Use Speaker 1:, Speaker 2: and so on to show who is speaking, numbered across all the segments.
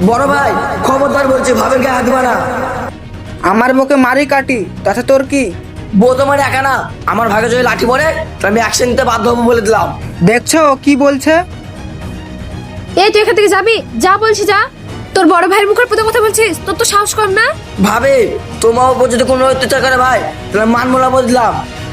Speaker 1: বড় ভাই খবরদার বলছি, ভাবের গায়ে হাত দিবা না।
Speaker 2: আমার বউকে মারি কাটি, তাতে তোর কি?
Speaker 1: বউ তোমার একা না, আমার ভাগে যদি লাঠি পড়ে তো আমি অ্যাকশন নিতে বাধ্য হবো বলে দিলাম।
Speaker 2: দেখছো ও কি বলছে?
Speaker 3: এই তুই এখান থেকে যাবি, যা বলছি যা। তোর বড় ভাইয়ের মুখের প্রতি কথা বলছিস, তোর তো সাহস কম না?
Speaker 1: ভাবে তোমার উপর যদি কোনো অত্যাচার করে ভাই তাহলে মান মোলা বলে দিলাম।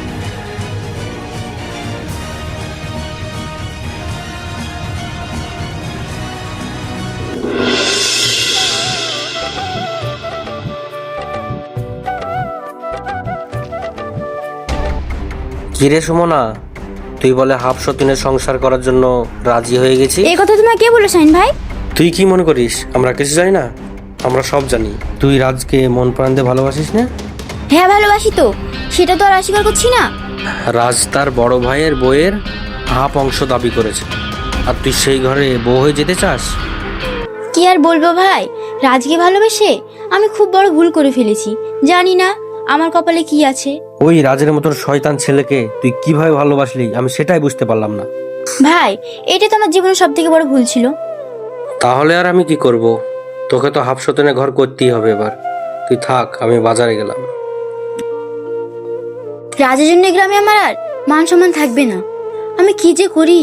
Speaker 4: কিরে সুমনা, তুই বলে হাফ সতীনের সংসার করার জন্য রাজি হয়ে গেছি।
Speaker 5: এই কথা তোমায় কে বললো শাহিন ভাই?
Speaker 4: তুই কি মনে করিস আমরা কিছু জানি না? আমরা সব জানি। তুই রাজকে মন প্রাণ দিয়ে ভালোবাসিস না?
Speaker 5: হ্যাঁ ভালোবাসি তো, সেটা তো আর অস্বীকার করছি না।
Speaker 4: রাজ তার বড় ভাইয়ের বউয়ের হাফ অংশ দাবি করেছে, আর তুই সেই ঘরে বউ হয়ে যেতে চাস?
Speaker 5: কি আর বলবো ভাই, রাজকে ভালোবেসে আমি খুব বড় ভুল করে ফেলেছি। জানি না আমার কপালে কি আছে।
Speaker 4: ওই রাজের মতন শয়তান ছেলেকে তুই কিভাবে ভালোবাসলি আমি সেটাই বুঝতে পারলাম না।
Speaker 5: ভাই এটা তো আমার জীবনের সব থেকে বড় ভুল ছিল।
Speaker 4: তাহলে আর আমি কি করব? তোকে তো হাফ সতীনের ঘর করতেই হবে এবার। তুই থাক, আমি বাজারে গেলাম।
Speaker 5: রাজের জন্য এই গ্রামে আমার আর মান সম্মান থাকবে না। আমি কি যে করি।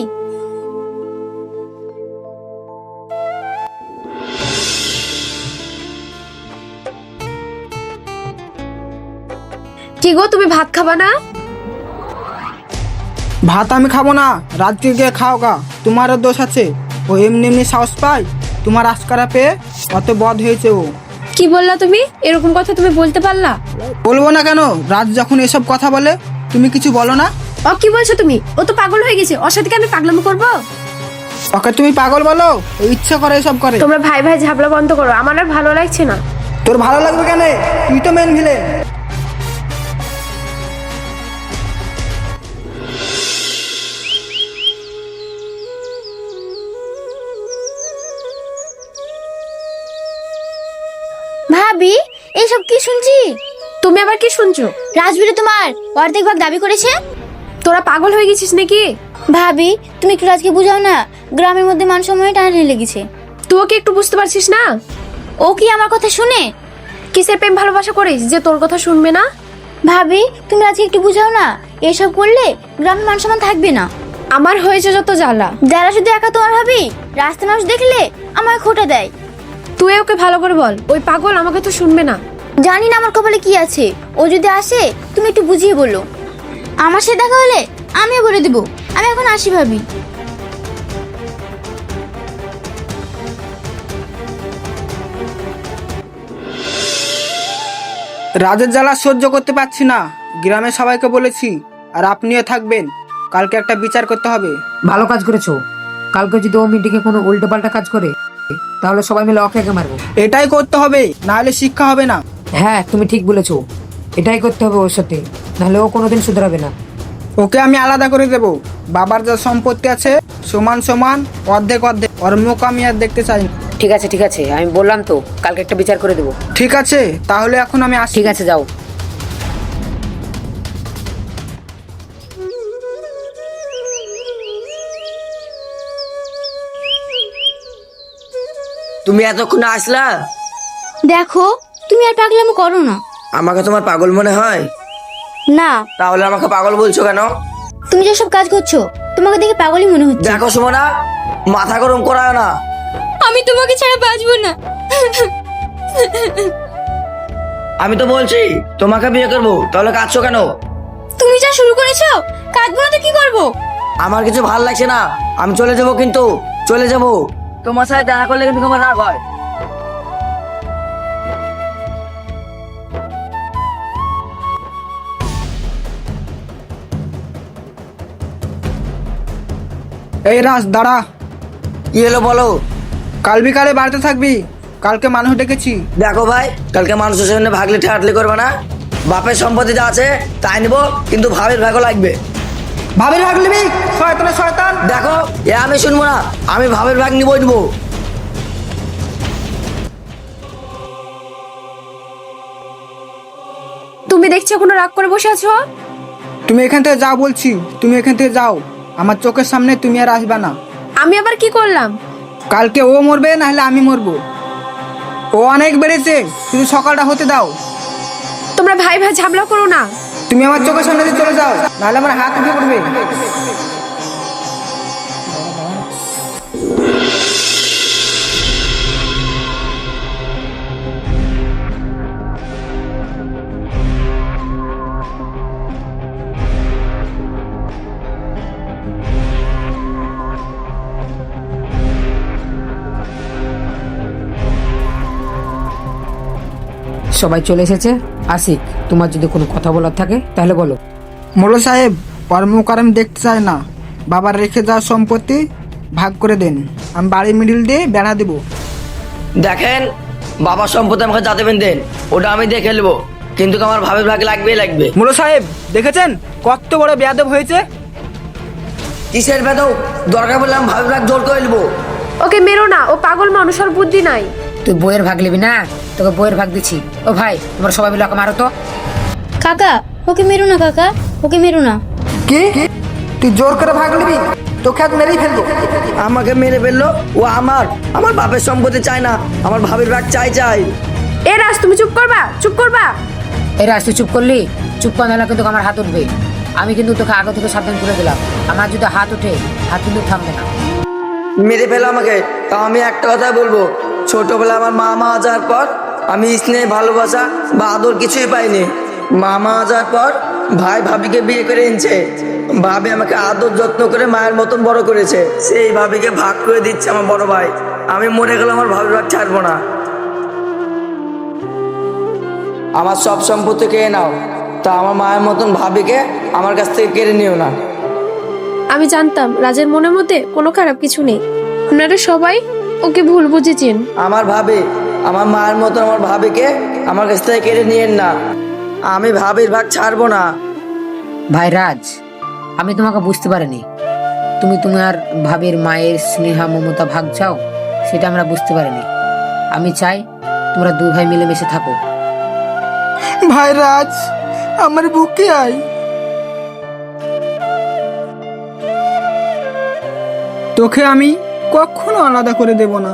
Speaker 3: কি গো, তুমি ভাত খাবা না?
Speaker 2: ভাত আমি খাবো না, রাজকে গিয়ে খাও গা। তোমারও দোষ আছে, ও এমনি এমনি সাহস পায় তোমার আশকারা পেয়ে, অত বদ হয়েছে ও।
Speaker 3: কি বললা তুমি? এরকম কথা তুমি বলতে পারলা?
Speaker 2: বলবো না কেন? রাজ যখন এসব কথা বলে তুমি কিছু বলো না?
Speaker 3: ও কি বলছো তুমি? ও তো পাগল হয়ে গেছে, ওর সাথে কি আমি পাগলামি করবো?
Speaker 2: ওকে তুমি পাগল বলো? ও ইচ্ছা করে এসব করে।
Speaker 3: তোমরা ভাই ভাই ঝাবলা বন্ধ করো, আমার আর ভালো লাগছে না।
Speaker 2: তোর ভালো লাগবে কেন? তুই তো মেন ভিলেন।
Speaker 5: ভাবি এইসব কি শুনছি?
Speaker 3: তুমি আবার কি শুনছো?
Speaker 5: রাজবীরে তোমার অর্ধেক ভাগ দাবি করেছে।
Speaker 3: তোরা পাগল হয়ে গেছিস নাকি?
Speaker 5: ভাবি তুমি একটু রাজকে বুঝাও না, গ্রামের মধ্যে মান সম্মানে টানাটানি লেগেছে।
Speaker 3: তুই কি একটু বুঝতে পারছিস না?
Speaker 5: ও কি আমার কথা শুনে?
Speaker 3: কিসের প্রেম ভালোবাসা করিস যে তোর কথা শুনবে না?
Speaker 5: ভাবি তুমি রাজকে একটু বুঝাও না, এসব করলে গ্রামের মান সম্মান থাকবে না।
Speaker 3: আমার হয়েছে যত জ্বালা।
Speaker 5: যারা শুধু একা তোমার ভাবি, রাস্তা মানুষ দেখলে আমায় খোঁটা দেয়।
Speaker 3: তুই ওকে ভালো করে বল, ওই পাগল আমাকে তো শুনবে না।
Speaker 5: জানি না আমার কপালে কি আছে, ও যদি আসে তুমি একটু বুঝিয়ে বলো। আমার সাথে দেখা হলে আমিও বলে দেবো। আমি এখন আসি ভাবি।
Speaker 2: রাজের জ্বালা সহ্য করতে পারছি না, গ্রামে সবাইকে বলেছি, আর আপনিও থাকবেন। কালকে একটা বিচার করতে হবে।
Speaker 6: ভালো কাজ করেছো। কালকে যদি ও মিটিংয়ে কোনো উল্টো পাল্টা কাজ করে তাহলে সবাই মিলে ওকে একে মারবো।
Speaker 2: এটাই করতে হবে, না হলে শিক্ষা হবে না।
Speaker 6: হ্যাঁ তুমি ঠিক বলেছো, এটাই করতে হবে ওর সাথে, নাহলে ও কোনোদিন শুধরাবে না।
Speaker 2: ওকে আমি আলাদা করে দেব। বাবার যা সম্পত্তি আছে সমান সমান, অর্ধেক অর্ধেক। ওর মুখ আমি আর দেখতে চাই না।
Speaker 6: ঠিক আছে ঠিক আছে, আমি বললাম তো কালকে একটা বিচার করে দেবো।
Speaker 2: ঠিক আছে, তাহলে এখন আমি আসি।
Speaker 6: ঠিক আছে যাও।
Speaker 1: তুমি এতক্ষণ আসলা?
Speaker 5: দেখো তুমি আর পাগলামো করো না।
Speaker 1: আমাকে তোমার পাগল মনে হয়?
Speaker 5: না,
Speaker 1: তাহলে আমাকে পাগল বলছো কেন?
Speaker 5: তুমি যেসব কাজ করছো তোমাকে দেখে পাগলই মনে হচ্ছে।
Speaker 1: দেখো সুমনা, মাথা গরম করায় না।
Speaker 5: আমি তোমাকে ছাড়া বাঁচবো না।
Speaker 1: আমি তো বলছি তোমাকে বিয়ে করবো, তাহলে কাঁদছো কেন?
Speaker 5: তুমি যা শুরু করেছো, কাঁদবো না তো কি করবো?
Speaker 1: আমার কিছু ভাল লাগছে না, আমি চলে যাবো, কিন্তু চলে যাবো। তোমার সাথে দেখা করলে কিন্তু তোমার রাগ হয়।
Speaker 2: এই রাজ দাঁড়া।
Speaker 1: কি হলো বলো?
Speaker 2: কাল বিকালে বাড়িতে থাকবি, কালকে মানুষ ডেকেছি।
Speaker 1: দেখো ভাই, কালকে মানুষের সামনে ভাগলে ঠেয়াটলি করবে না। বাপের সম্পত্তি যা আছে তাই নিবো, কিন্তু ভাবের ভাগও লাগবে।
Speaker 2: ভাবির ভাগ নিবি? শয়তানের শয়তান।
Speaker 1: দেখো এ আমি শুনবো না, আমি ভাবের ভাগ নিবই নিবো।
Speaker 3: তুমি দেখছি এখনো রাগ করে বসে আছো।
Speaker 2: তুমি এখান থেকে যাও বলছি, তুমি এখান থেকে যাও। আমার চোখের সামনে তুমি আর আসবে না।
Speaker 3: আমি আবার কি করলাম?
Speaker 2: কালকে ও মরবে, নাহলে আমি মরবো। ও অনেক বেড়েছে, শুধু সকালটা হতে দাও।
Speaker 3: তোমরা ভাই ভাই ঝামেলা করো না।
Speaker 2: তুমি আমার চোখের সামনে দিয়ে চলে যাও, নাহলে আমার হাত উঠে পড়বে।
Speaker 6: সবাই চলে এসেছে। আশিক, তোমার যদি কোনো কথা বলার থাকে তাহলে বলো।
Speaker 2: মোড়ল সাহেব, কর্মকার আমি দেখতে চাই না। বাবার রেখে যাওয়া সম্পত্তি ভাগ করে দেন, আমি বাড়ির মিডিল দিয়ে বেড়া দেবো।
Speaker 1: দেখেন, বাবার সম্পত্তি আমাকে যা দেবেন দেন, ওটা আমি দেখে নেবো, কিন্তু আমার ভাবির ভাগ লাগবেই লাগবে।
Speaker 2: মোড়ল সাহেব দেখেছেন কত বড় বেয়াদব হয়েছে?
Speaker 1: কিসের বেদক? দরকার বললে আমি ভাবির ভাগ জোর করে নেবো।
Speaker 3: ওকে মেরো না, ও পাগল মানুষ, ওর বুদ্ধি নাই।
Speaker 6: তুই বইয়ের ভাগ নিবি না? তোকে বইয়ের ভাগ দিচ্ছি। ও ভাই, তোমরা সবাই মিলে ওকে মারো তো।
Speaker 5: কাকা, ওকে মেরো না কাকা, ওকে মেরো না।
Speaker 2: কি তুই জোর করে ভাগ নিবি? তোকে আজ মেরেই ফেলবো।
Speaker 1: আমাকে মেরে ফেললো, ও আমার বাপের সম্পত্তি চাই না, আমার ভাবির ভাগ চাই চাই।
Speaker 3: এ রাজ, তুমি চুপ করবা, চুপ করবা।
Speaker 6: এরা তুই চুপ করলি? চুপ করা নাহলে কিন্তু আমার হাত উঠবে। আমি কিন্তু তোকে আগে থেকে সাবধান করে দিলাম, আমার যদি হাত উঠে, হাত কিন্তু থামবে না।
Speaker 1: মেরে ফেলো আমাকে, তাও আমি একটা কথা বলবো, ছোটবেলা আমার মা মারা যাওয়ার পর আমি স্নেহ, ভালোবাসা বা আদর কিছুই পাইনি। মা মারা যাওয়ার পর ভাই ভাবিকে বিয়ে করে এনেছে, ভাবি আমাকে আদর যত্ন করে মায়ের মতন বড় করেছে, সেই ভাবিকে ভাগ করে দিচ্ছে আমার বড় ভাই। আমি মরে গেলে আমার ভাবির ভাগ ছাড়বো না। আমার সব সম্পত্তি কেড়ে নাও, তা আমার মায়ের মতন ভাবিকে আমার কাছ থেকে কেড়ে নিও না।
Speaker 3: আমি জানতাম রাজের মনের মধ্যে কোনো খারাপ কিছু নেই। আপনারা সবাই ওকে ভুল বুঝেছেন।
Speaker 1: আমার ভাবি, আমার মায়ের মতন আমার ভাবিকে আমার কাছ থেকে কেড়ে নিয়েন না, আমি ভাবির ভাগ ছাড়বো না।
Speaker 6: ভাই রাজ, আমি তোমাকে বুঝতে পারিনি। তুমি তোমার ভাবের মায়ের স্নেহা মমতা ভাগ চাও, সেটা আমরা বুঝতে পারিনি। আমি চাই তোমরা দুই ভাই মিলেমিশে থাকো।
Speaker 2: ভাই রাজ, আমার বুকে আয়। তোকে আমি কখনো আলাদা করে দেব না।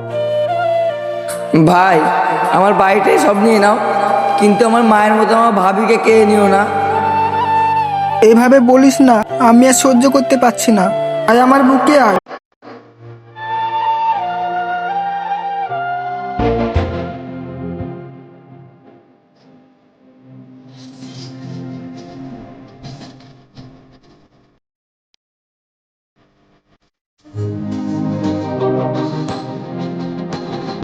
Speaker 1: ভাই, আমার বাড়িটাই সব নিয়ে নাও, কিন্তু আমার মায়ের মতো আমার ভাবিকে কে নিও না।
Speaker 2: এইভাবে বলিস না, আমি আর সহ্য করতে পারছি না। আয় আমার বুকে আয়।